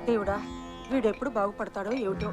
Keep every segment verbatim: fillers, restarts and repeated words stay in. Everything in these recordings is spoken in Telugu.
దేవుడా, వీడెప్పుడు బాగుపడతాడో ఏమిటో.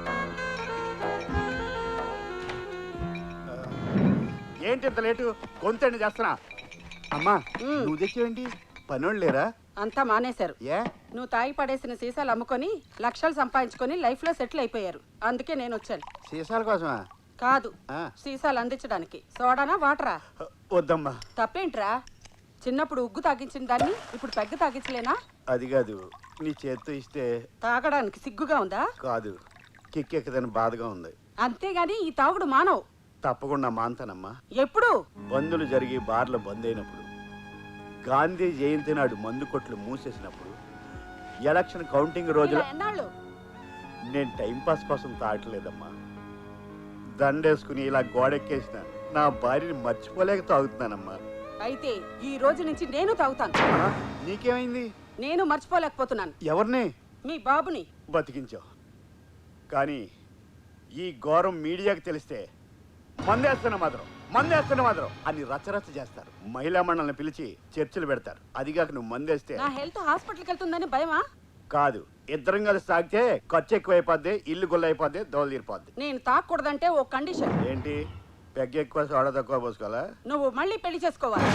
ఏంటి ఇంత లేటు? గొంతండి చేస్తున్నా. అమ్మా నువ్వు తెచ్చేవేంటి? పనోళ్ళు లేరా? అంతా మానేశారు. ఏ నువ్వు తాగి పడేసిన సీసాలు అమ్ముకొని లక్షలు సంపాదించుకొని లైఫ్ లో సెటిల్ అయిపోయారు. అందుకే నేను వచ్చాను. సీసాల కోసమా? కాదు, సీసాలు అందించడానికి. సోడానా వాటరా? వద్దమ్మా. తప్పేంట్రా? చిన్నప్పుడు ఉగ్గు తాగించిన దాన్ని ఇప్పుడు పెగ్గ తాగించలేనా? అది కాదు, నీ చేత్తో ఇస్తే తాగడానికి సిగ్గుగా ఉందా? కాదు, కిక్కెక్కదని బాధగా ఉంది. అంతేగాని ఈ తాగుడు మానవు. తప్పకుండా మాంతానమ్మా. ఎప్పుడు? బందులు జరిగి బార్లు బంద్ అయినప్పుడు, గాంధీ జయంతి నాడు మందు కొట్లు మూసేసినప్పుడు, ఎలక్షన్ కౌంటింగ్ రోజుల ఎన్నాళ్ళు నేను టైంపాస్ కోసం తాగట్లేదమ్మా. దండేసుకుని ఇలా గోడెక్కేసిన నా భార్యని మర్చిపోలేక తాగుతున్నానమ్మా. అయితే ఈ రోజు నుంచి నేను తాగుతాను. నీకేమైంది? నేను మర్చిపోలేకపోతున్నాను. ఎవరిని? మీ బాబుని. బతికించావు. కానీ ఈ ఘోరం మీడియాకి తెలిస్తే మందేస్తున్న మాత్రం మందేస్తున్న మాత్రం అని రచ్చరచ్చ చేస్తారు. మహిళా మండలిని పిలిచి చర్చలు పెడతారు. అదిగాక నువ్వు మందేస్తే నా హెల్త్ హాస్పిటల్కి వెళ్తుందని భయమా? కాదు, ఇద్దరం కలిసి తాగితే ఖర్చు ఎక్కువైపోద్ది, ఇల్లు గుల్లైపోద్ది, దోలు తీరిపోద్ది. నేను తాగకూడదంటే ఓ కండిషన్. ఏంటి? పెగ్గ ఎక్కువ సోడా తక్కువ పోసుకోవాలా? నువ్వు మళ్ళీ పెళ్లి చేసుకోవాలి.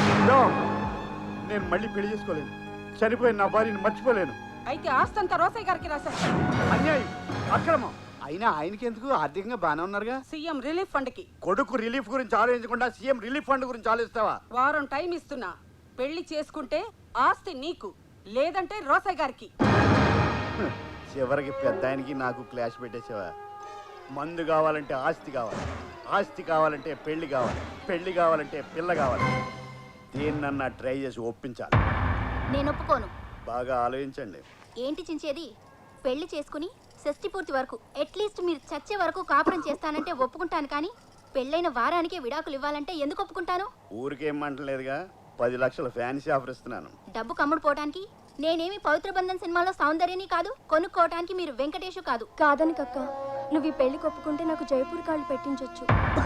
నేను మళ్ళీ పెళ్లి చేసుకోలేను. చనిపోయిన నా భార్యని మర్చిపోలేను. అయితే ఆస్తంతా రోసయ్య గారికి రాసేస్తాను. అన్యాయం, అక్రమం. అయినా ఆయనకి ఎందుకు? ఆర్థికంగా బాగానే ఉన్నారుగా. సీఎం రిలీఫ్ ఫండ్ కి. కొడుకు రిలీఫ్ గురించి ఆలోచించకుండా సీఎం రిలీఫ్ ఫండ్ గురించి ఆలోచిస్తావా? వారం టైం ఇస్తున్నా. పెళ్లి చేసుకుంటే ఆస్తి నీకు, లేదంటే రోసయ్య గారికి. చివరికి పెద్ద ఆయనకి నాకు క్లాష్ పెట్టేసావా? మందు కావాలంటే ఆస్తి కావాలి, ఆస్తి కావాలంటే పెళ్లి కావాలి, పెళ్లి కావాలంటే పిల్ల కావాలి. దేన్నన్నా ట్రై చేసి ఒప్పించాలి. నేను ఒప్పుకోను. బాగా ఆలోచించండి. ఏంటి చించేది? పెళ్లి చేసుకుని షష్టి పూర్తి వరకు అట్లీస్ట్ మీరు చచ్చే వరకు కాపురం చేస్తానంటే ఒప్పుకుంటాను, కానీ పెళ్ళైన వారానికే విడాకులు ఇవ్వాలంటే ఎందుకు ఒప్పుకుంటాను? ఊరికేమంటలేదుగా, పది లక్షల ఫ్యాన్సీ ఆఫర్ ఇస్తున్నాను. డబ్బు కమ్ముడు పోవటానికి? నేనేమి పవిత్ర బంధన్ సినిమాలో సౌందర్యని కాదు, కొనుక్కోవటానికి మీరు వెంకటేషు కాదు. కాదని కక్క, నువ్వు ఈ పెళ్లి కొప్పుకుంటే నాకు జైపూర్ కాళ్ళు పెట్టించొచ్చు.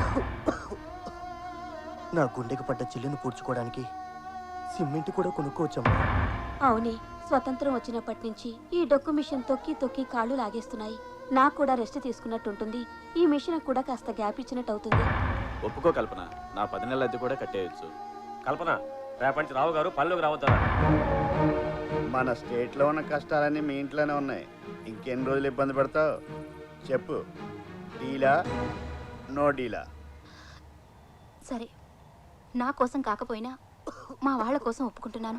నా గుండెకి పడ్డ చిల్లును పూడ్చుకోవడానికి సిమెంట్ కూడా కొనుక్కోవచ్చమ్మా. అవునే, స్వతంత్రం వచ్చినప్పటి నుంచి ఈ డొక్కు మిషన్ తొక్కి తొక్కి కాళ్ళు లాగేస్తున్నాయి. నాకు కూడా రెస్ట్ తీసుకున్నట్టుంటుంది. ఈ మిషన్ కూడా కాస్త గ్యాప్ ఇచ్చినట్టు అవుతుంది. ఒప్పుకో కల్పన, నా పది నెలల అద్దె కూడా కట్టేయచ్చు. కల్పన, రేపటి రావు గారు పనిలోకి రావద్దారా? మన స్టేట్లో ఉన్న కష్టాలన్నీ మీ ఇంట్లోనే ఉన్నాయి. ఇంకెన్ని రోజులు ఇబ్బంది పడతావు చెప్పు. డీలా నో డీలా? సరే, నా కోసం కాకపోయినా మా వాళ్ళ కోసం ఒప్పుకుంటున్నాను.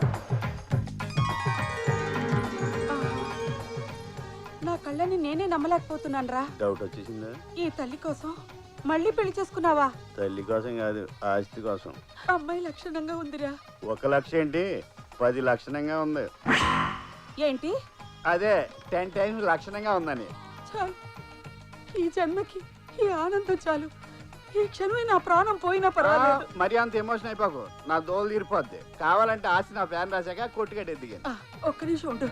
నా కళ్ళని నేనే నమ్మలేకపోతున్నాను రా. డౌట్ వచ్చేసిందా? ఈ తల్లి కోసం మళ్ళీ పెళ్లి చేసుకున్నావా? తల్లి కోసం కాదు, ఆస్తి కోసం. అమ్మాయి లక్షణంగా ఉందిరా. ఒక లక్ష ఏంటి, పది లక్షణంగా ఉంది. ఏంటి? అదే టెన్ టైమ్స్ లక్షణంగా ఉందని. చాలు, ఈ జన్మకి ఈ ఆనందం చాలు. ఈ క్షణమే నా ప్రాణం పోయినా పర్వాలేదు. మరి అంత ఎమోషన్ అయిపోకు, నా దోలు తీరిపోద్ది. కావాలంటే ఆస్తి నా ఫ్యాన్ రాశాక కొట్టుకట్టే దిగాను. ఒక్క నిమిషం ఉండు.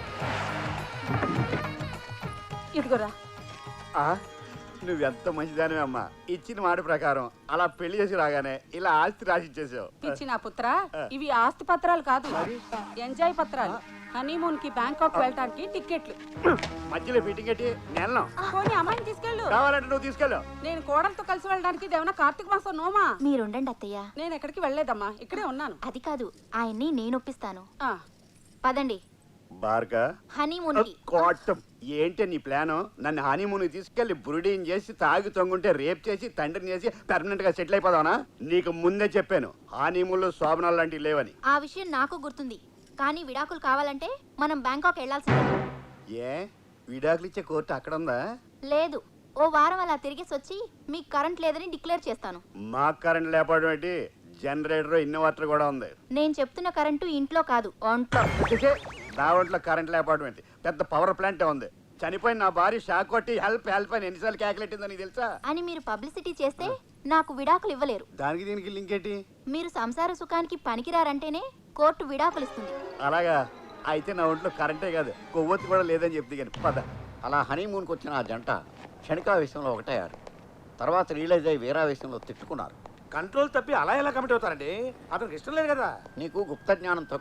ఇదిగోరా. నువ్వెంత మంచిదానివే అమ్మా. ఇచ్చిన మాట ప్రకారం అలా పెళ్లి చేసి రాగానే ఇలా ఆస్తి రాసి ఇచ్చేసావు. ఇచ్చిన పుత్ర, ఇవి ఆస్తి పత్రాలు కాదు, ఎంజాయ్ పత్రాలు. హనీమూన్ కి బ్యాంకాక్ వెళ్ళటానికి టికెట్లు. మధ్యలో ఫిట్టింగ్ పెట్టి నెలను పోనీ అమ్మాయిని తీసుకెళ్ళు. కావాలంటే నువ్వు తీసుకెళ్ళు. నేను కోడలతో కలిసి వెళ్ళడానికి ఇదేమన్నా కార్తీక మాసం నోమా? మీరుండండి అత్తయ్య. నేను ఎక్కడికి వెళ్ళలేదమ్మా, ఇక్కడే ఉన్నాను. అది కాదు, ఆయన్ని నేను ఒప్పిస్తాను. ఆ, పదండి. బార్గా హనీమూన్ కి. కోటం ఏంటి నీ ప్లాను? నన్ను హనీమూన్ తీసుకెళ్లి బురుడీని చేసి తాగి తొంగుంటే రేప్ చేసి తండ్రిని చేసి పర్మనెంట్ గా సెటిల్ అయిపోదావనా? నీకు ముందే చెప్పాను హనీమూన్ లో శోభనాలు లాంటివి లేవని. ఆ విషయం నాకు గుర్తుంది, కానీ విడాకులు కావాలంటే మనం బ్యాంకాక్ వెళ్లాల్సిందే. ఏ విడాకులు ఇచ్చే కోర్టు అక్కడ ఉందా? లేదు, ఓ వారం అలా తిరిగేసి వచ్చి మీకు కరెంట్ లేదని డిక్లేర్ చేస్తాను. మాకు కరెంట్ లేకపోవడం ఏంటి? జనరేటర్ ఇన్వర్టర్ కూడా ఉంది. నేను చెప్తున్న కరెంటు ఇంట్లో కాదు, ఒంట్లో. నా ఒంట్లో కరెంట్ లేకపోవడం ఏంటి? పెద్ద పవర్ ప్లాంట్ ఉంది. చనిపోయిన నా భార్య షాక్ కొట్టి హెల్ప్ హెల్ప్ అని ఎన్నిసార్లు క్యాకులేట్ నీకు తెలుసా? అని మీరు పబ్లిసిటీ చేస్తే నాకు విడాకులు ఇవ్వలేరు. దానికి దీనికి లింక్ ఏంటి? మీరు సంసార సుఖానికి పనికిరారంటేనే కోర్టు విడాకులు ఇస్తుంది. అలాగా? అయితే నా ఒంట్లో కరెంటే కాదు, కొవ్వొత్తి కూడా లేదని చెప్తే కానీ పద. అలా హనీమూన్కి వచ్చిన ఆ జంట క్షణికావేశంలో ఒకటయ్యారు. తర్వాత రియలైజ్ అయ్యి వేరావేశంలో తిట్టుకున్నారు. కంట్రోల్ తప్పి అలా ఎలా కమిట్ అవుతారండి? అతనికి ఇష్టం లేదు కదా. నీకు గుప్త జ్ఞానం తక్కువ.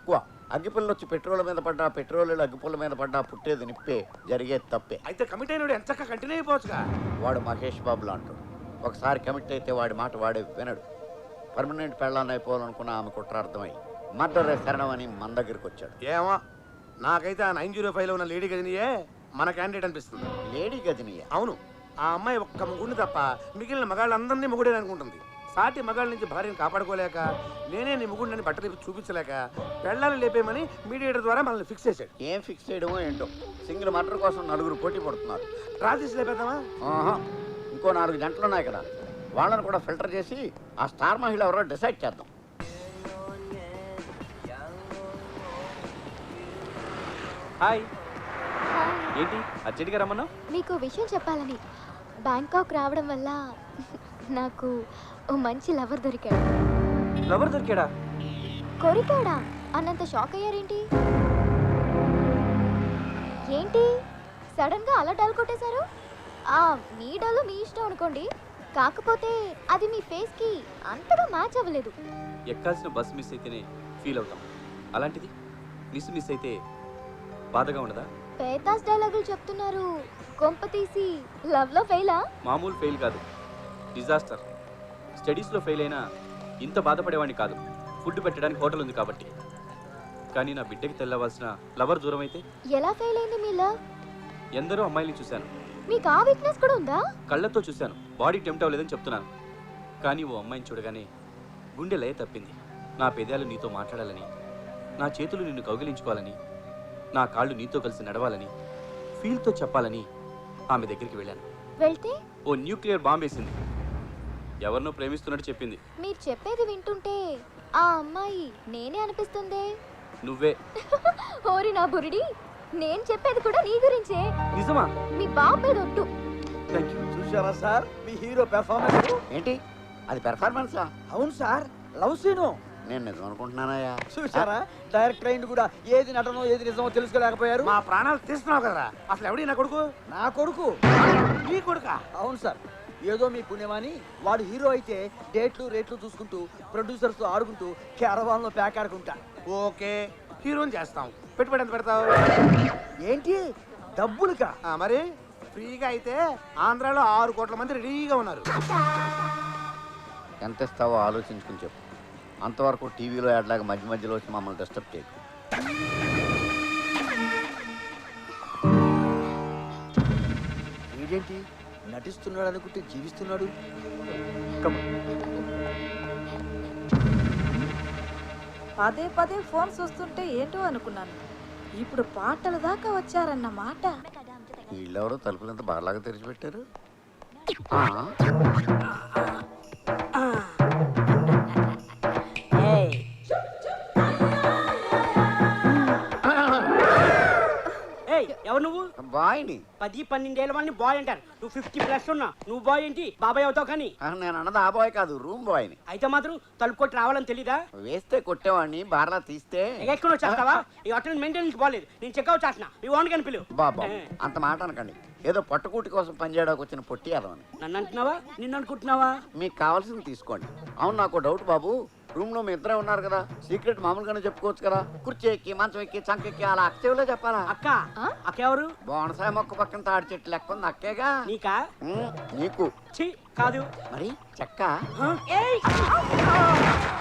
అగ్గిపుల్ల వచ్చి పెట్రోల్ మీద పడ్డా పెట్రోల్ అగ్గిపుల్ల మీద పడ్డా పుట్టేది నిప్పే, జరిగేది తప్పే. అయితే కమిట్ అయినాడు ఎంత కంటిన్యూ అయిపోవచ్చుగా. వాడు మహేష్ బాబులా అంటాడు. ఒకసారి కమిట్ అయితే వాడి మాట వాడే వినడు. పర్మనెంట్ పెళ్ళాన్ని అయిపోవాలనుకున్న ఆమె కుట్రార్థమై మర్డర్ శరణం అని మన దగ్గరికి వచ్చాడు. ఏమో నాకైతే ఆ నైన్ జీరో ఫైవ్ లో ఉన్న లేడీ గదినియే మన క్యాండిడేట్ అనిపిస్తుంది. లేడీ గదినియా? అవును, ఆ అమ్మాయి ఒక్క ముగ్గురిని తప్ప మిగిలిన మగాళ్ళందరినీ ముగుడే అనుకుంటుంది. సాటి మగాళ్ళ నుంచి భార్యను కాపాడుకోలేక నేనే నీ ముగుడిని బట్టలు చూపించలేక పెళ్ళాన్ని లేపేయమని మీడియేటర్ ద్వారా మనల్ని ఫిక్స్ చేశాడు. ఏం ఫిక్స్ చేయడమో ఏంటో. సింగిల్ మర్డర్ కోసం నలుగురు పోటీ పడుతున్నారు. రాజేష్ లేపేద్దామా? ఆహా, ఇంకో నాలుగు గంటలు ఉన్నాయి కదా, వాళ్ళని కూడా ఫిల్టర్ చేసి ఆ స్టార్ మహిళ ఎవరో డిసైడ్ చేద్దాం. హాయ్, ఏంటి అర్జెంట్గా రమ్మన్నా? మీకు విషయం చెప్పాలని. బ్యాంకాక్ రావడం వల్ల నాకు ఓ మంచి లవర్ దొరికాడు. లవర్ దొరికాడా? కొరికాడా అన్నంత షాక్ అయ్యారేంటి? ఏంటి సడన్ గా అలా డల్ కొట్టేశారు? ఆ మీ డల్ మీ ఇష్టం అనుకోండి, కాకపోతే అది మీ ఫేస్ కి అంతగా మ్యాచ్ అవ్వలేదు. ఎక్కాల్సిన బస్ మిస్ అయితేనే ఫీల్ అవుతాం, అలాంటిది మిస్ మిస్ అయితే బాధగా ఉండదా? పేతాస్ డైలాగులు చెప్తున్నారు. కొంప తీసి లవ్ లో ఫెయిలా? మామూలు ఫెయిల్ కాదు, డిజాస్టర్. స్టడీస్లో ఫెయిల్ అయినా ఇంత బాధపడేవాడిని కాదు. ఫుడ్ పెట్టడానికి హోటల్ ఉంది కాబట్టి. కానీ నా బిడ్డకి తెల్లవలసిన లవర్ దూరం అయితే ఎలా ఫెయిల్ అయింది మీ లవ్? ఎందరో అమ్మాయిని చూశాను. మీకు ఆ వీక్నెస్ కూడా ఉందా? కళ్ళతో చూశాను, బాడీ టెంప్ట్ అవ్వలేదని చెప్తున్నాను. కానీ ఓ అమ్మాయిని చూడగానే గుండె లయ తప్పింది. నా పెదాలు నీతో మాట్లాడాలని, నా చేతులు నిన్ను కౌగిలించుకోవాలని, నా కాళ్ళు నీతో కలిసి నడవాలని, ఫీల్తో చెప్పాలని ఆమె దగ్గరికి వెళ్ళాను. వెళ్తే ఓ న్యూక్లియర్ బాంబ్ వేసింది. ఎవరినో ప్రేమిస్తున్నట్టు చెప్పింది. మీరు చెప్పేది వింటుంటే ఆ అమ్మాయి నేనే అనిపిస్తుందే. నువ్వే. ఓరి నా బురిడి, నేను చెప్పేది కూడా నీ గురించే. నిజమా? మీ బాబు మీద ఒట్టు. Thank you. చూసారా సార్ మీ హీరో పెర్ఫార్మెన్స్? ఏంటి అది పెర్ఫార్మెన్సా? అవును సార్, లవ్ సీను. నేను నిజం అనుకుంటున్నానయ్యా. చూసారా డైరెక్టర్ అయింది కూడా ఏది నటనో ఏది నిజమో తెలుసుకోలేకపోయారు. మా ప్రాణాలు తీస్తున్నావు కదరా. అసలు ఎవడి నా కొడుకు? నా కొడుకు. నీ కొడుకా? అవును సార్, ఏదో మీ పుణ్యమాని వాడు హీరో అయితే డేట్లు రేట్లు చూసుకుంటూ ప్రొడ్యూసర్స్ తో ఆడుకుంటూ క్యారవాన్ లో ప్యాక్ ఆడుకుంటా. ఓకే, హీరోని చేస్తాం. పెట్టుబడి ఎంత పెడతావు? ఏంటి డబ్బులుకా? ఆ, మరి ఫ్రీగా అయితే ఆంధ్రాలో ఆరు కోట్ల మంది రెడీగా ఉన్నారు. ఎంత ఇస్తావో ఆలోచించుకుని చెప్పు. అంతవరకు టీవీలో యాడ్లాగా మధ్య మధ్యలో వచ్చి మమ్మల్ని డిస్టర్బ్ చేయకు. వీడేంటి నటిస్తున్నాడు అనుకుంటే జీవిస్తున్నాడు. పదే పదే ఫోన్ చూస్తుంటే ఏంటో అనుకున్నాను. ఇప్పుడు పాటల దాకా వచ్చారన్నమాట. వీళ్ళెవరో తలుపులంతా బాగా తెరిచిపెట్టారు. ఎవరు నువ్వు? బాయ్ని. పది పన్నెండేళ్ళ వాళ్ళని బాయ్ అంటారు. నువ్వు ఫిఫ్టీ ప్లస్ ఉన్నా నువ్వు బాయ్ ఏంటి? బాబాయ్ అవుతావు. కానీ నేను అన్నది ఆ బాయ్ కాదు, రూమ్ బాయ్ని. అయితే మాత్రం తలుపు కొట్టి రావాలని తెలీదా? వేస్తే కొట్టేవాడిని, బార్లా తీస్తే ఎక్కడ వచ్చేస్తావా? ఈ హోటల్ మెయింటెనెన్స్ బాగాలేదు, నేను చెక్అవుట్ చేస్తున్నా. మీ ఓన్ కని పిలువు. బాబా అంత మాట అనకండి. ఏదో పట్టుకూటి కోసం పనిచేయడానికి వచ్చిన పొట్టి అదవని. నన్ను అంటున్నావా? నిన్ను అనుకుంటున్నావా? మీకు కావాల్సింది తీసుకోండి. అవును, నాకు డౌట్ బాబు. రూమ్ లో మీ ఇద్దరే ఉన్నారు కదా, సీక్రెట్ మామూలుగానే చెప్పుకోవచ్చు కదా. కుర్చీ ఎక్కి మంచం ఎక్కి చంకెక్కి అలా అక్క చెవిలో చెప్పాలా? అక్క అక్క ఎవరు? బోనసాయ మొక్క పక్కన తాడి చెట్టు లెక్క ఉంది అక్కేగా. నీకా? నీకు ఛీ కాదు. మరి చెక్క. ఏయ్